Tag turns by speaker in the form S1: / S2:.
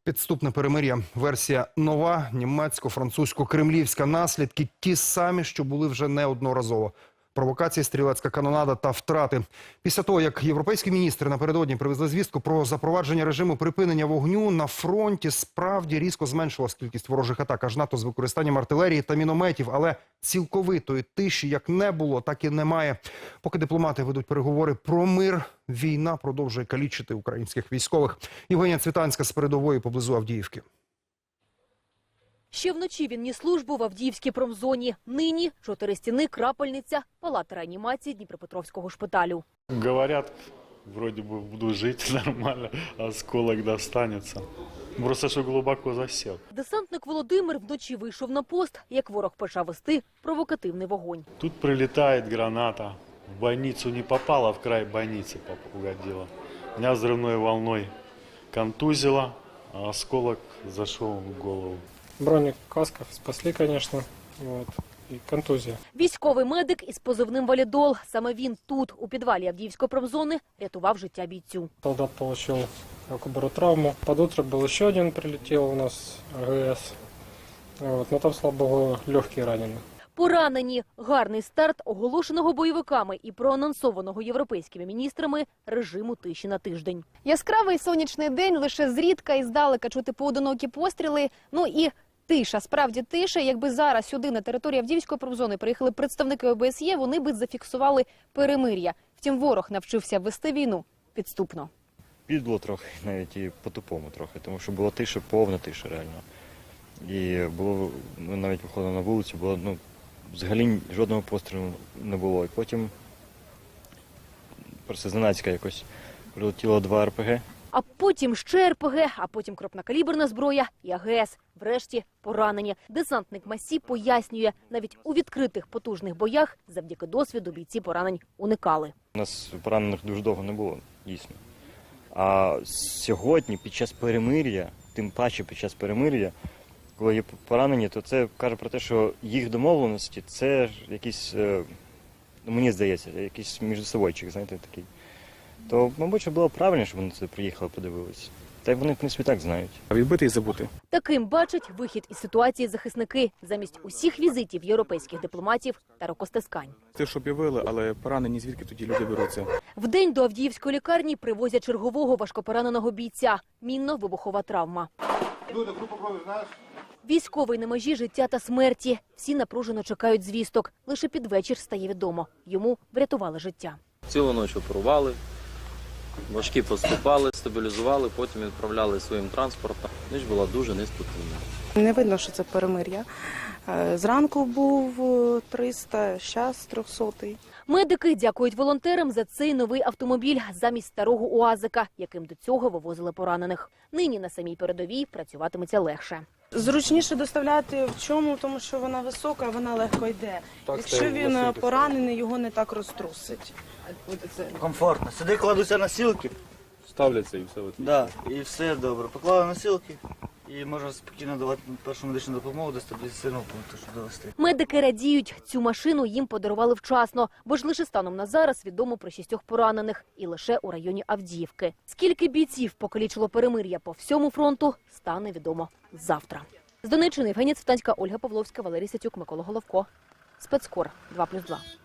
S1: Підступне перемир'я. Версія нова, німецько-французько-кремлівська. Наслідки ті самі, що були вже неодноразово. Провокації, стрілецька канонада та втрати. Після того, як європейські міністри напередодні привезли звістку про запровадження режиму припинення вогню, на фронті справді різко зменшилась кількість ворожих атак, аж НАТО з використанням артилерії та мінометів. Але цілковитої тиші як не було, так і немає. Поки дипломати ведуть переговори про мир, війна продовжує калічити українських військових. Євгенія Цвітанська з передової поблизу Авдіївки.
S2: Ще вночі він ніс службу в Авдіївській промзоні. Нині 4 стіни, крапельниця, палата реанімації Дніпропетровського шпиталю.
S3: Говорят, вроде бы буду жить нормально, осколок достанется. Просто що глибоко засів.
S2: Десантник Володимир вночі вийшов на пост, як ворог почав вести провокативний вогонь.
S3: Тут прилетає граната. В больницу не попала, в край больницы угодила. Меня взрывной волной контузило, а осколок зашел в голову.
S4: Броник, каска спасли, конечно, вот, и контузия.
S2: Військовий медик із позивним «Валідол». Саме він тут, у підвалі Авдіївської промзони, рятував життя бійцю.
S4: Солдат получил травму. Под утро был еще один, прилетел у нас АГС. Вот, но там, слава богу, легкие ранены.
S2: Поранені. Гарний старт оголошеного бойовиками і проанонсованого європейськими міністрами режиму тиші на тиждень.
S5: Яскравий сонячний день, лише зрідка і здалека чути поодинокі постріли. Ну і тиша, справді тиша. Якби зараз сюди, на територію Авдіївської промзони, приїхали представники ОБСЄ, вони би зафіксували перемир'я. Втім, ворог навчився вести війну підступно.
S6: Підло трохи, навіть і по-тупому трохи, тому що була тиша, повна тиша реально. І було, ми навіть виходили на вулицю, було, взагалі жодного пострілу не було. І потім просто зненацька якось прилетіло 2 РПГ.
S2: А потім ще РПГ, а потім крупнокаліберна зброя і АГС. Врешті поранені. Десантник Масі пояснює, навіть у відкритих потужних боях завдяки досвіду бійці поранень уникали.
S6: У нас поранених дуже довго не було, дійсно. А сьогодні, під час перемир'я, тим паче під час перемир'я, коли є поранені, то це каже про те, що їх домовленості – це якийсь, мені здається, якийсь міжсобойчик, знаєте, такий. То, мабуть, що було правильно, щоб вони сюди приїхали, подивилися. Та й вони, в принципі, так знають.
S7: А відбити і забути.
S2: Таким бачать вихід із ситуації захисники замість усіх візитів європейських дипломатів та рукостискань.
S7: Те, що об'явили, але поранені звідки тоді люди беруться?
S2: Вдень до Авдіївської лікарні привозять чергового важкопораненого бійця. Мінно-вибухова травма. Військовий на межі життя та смерті. Всі напружено чекають звісток. Лише під вечір стає відомо. Йому врятували життя.
S8: Цілу ніч оперували, важкі поступали, стабілізували, потім відправляли своїм транспортом. Ніч була дуже неспокійна.
S9: Не видно, що це перемир'я. Зранку був 300, зараз 300.
S2: Медики дякують волонтерам за цей новий автомобіль замість старого УАЗика, яким до цього вивозили поранених. Нині на самій передовій працюватиметься легше.
S9: Зручніше доставляти в чому, тому що вона висока, вона легко йде. Якщо він поранений, його не так розтрусить.
S10: Комфортно. Сюди кладуться носилки.
S3: Ставляться і все.
S10: Да, і все добре. Поклали носилки і можна спокійно давати першу медичну допомогу до стабілізаційного пункту, щоб довести.
S2: Медики радіють, цю машину їм подарували вчасно, бо ж лише станом на зараз відомо про 6 поранених і лише у районі Авдіївки. Скільки бійців покалічило перемир'я по всьому фронту, стане відомо завтра. З Донеччини Євгенія Цвітанська, Ольга Павловська, Валерій Сятюк, Микола Головко. Спецкор 2+2.